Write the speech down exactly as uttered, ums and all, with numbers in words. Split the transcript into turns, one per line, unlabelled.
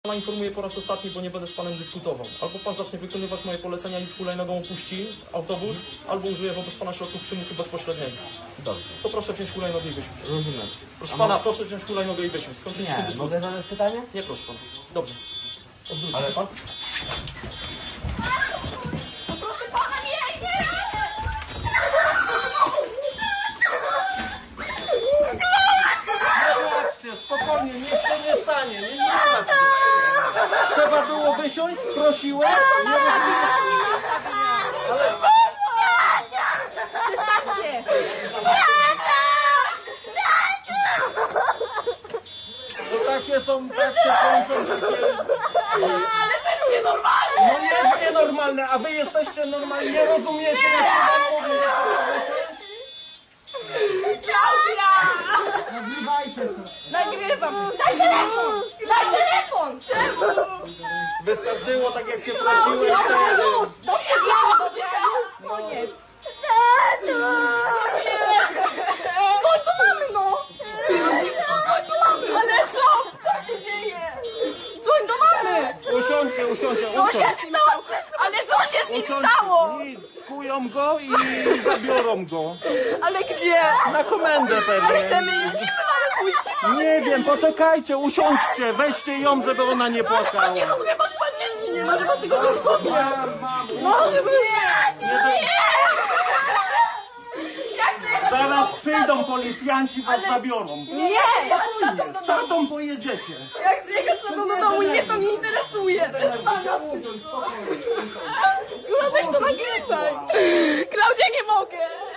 Pana informuję po raz ostatni, bo nie będę z panem dyskutował. Albo pan zacznie wykonywać moje polecenia i z hulajnogą opuści autobus, albo użyję wobec pana środków przymusu bezpośredniego.
Dobrze.
To proszę wziąć hulajnogę i wysiąść.
Rozumiem.
Proszę
A
pana,
mo-
proszę wziąć hulajnogę i wysiąść. Skończyliśmy
Nie,
dyskusję.
mogę zadać pytanie?
Nie, proszę pana. Dobrze. Odwróć
Ale-
się pan.
Proszę pana, nie, nie!
Nie płaczcie, spokojnie, nic się nie stanie. Nie, nie płaczcie. Trzeba było wysiąść? Prosiłem? Nie
Przestańcie!
To takie są, tak się kończą takie...
Ale wy nienormalne!
No jest nienormalne, a wy jesteście normalni. Nie rozumiecie, jak się wam mówi.
Klaudia!
Nagrywaj się.
Nagrywam! Daj telefon! Daj telefon! Czemu?
Wystarczyło tak, jak cię prosiłem.
Dobra,
wtedy.
już! Dobrze, wiem, dobra, już koniec! Chodź do mamy, no! Chodź do mamy! Ale co? Co się dzieje? Dzwoń do mamy!
Usiądźcie, usiądźcie,
Co
usiądźcie.
się stało? Ale co się z nim
Usiądźcie.
stało?
Nic, skują go i zabiorą go.
Ale gdzie?
Na komendę pewnie.
Chcemy iść z nim, ale pójść.
Nie wiem, poczekajcie, usiądźcie, weźcie ją, żeby ona nie
Pan
płakała.
nie rozumie, pan ma dzieci, nie może pan tego nie rozumie. No, nie, nie, ja chcę,
Zaraz przyjdą policjanci, was zabiorą.
nie, ja z tatą do
Z
domu.
tatą pojedziecie.
Ja chcę jechać z tatą do domu i mnie to nie interesuje. Bez pana wszystko. Klaudia, to nagrywaj. Klaudia, nie mogę.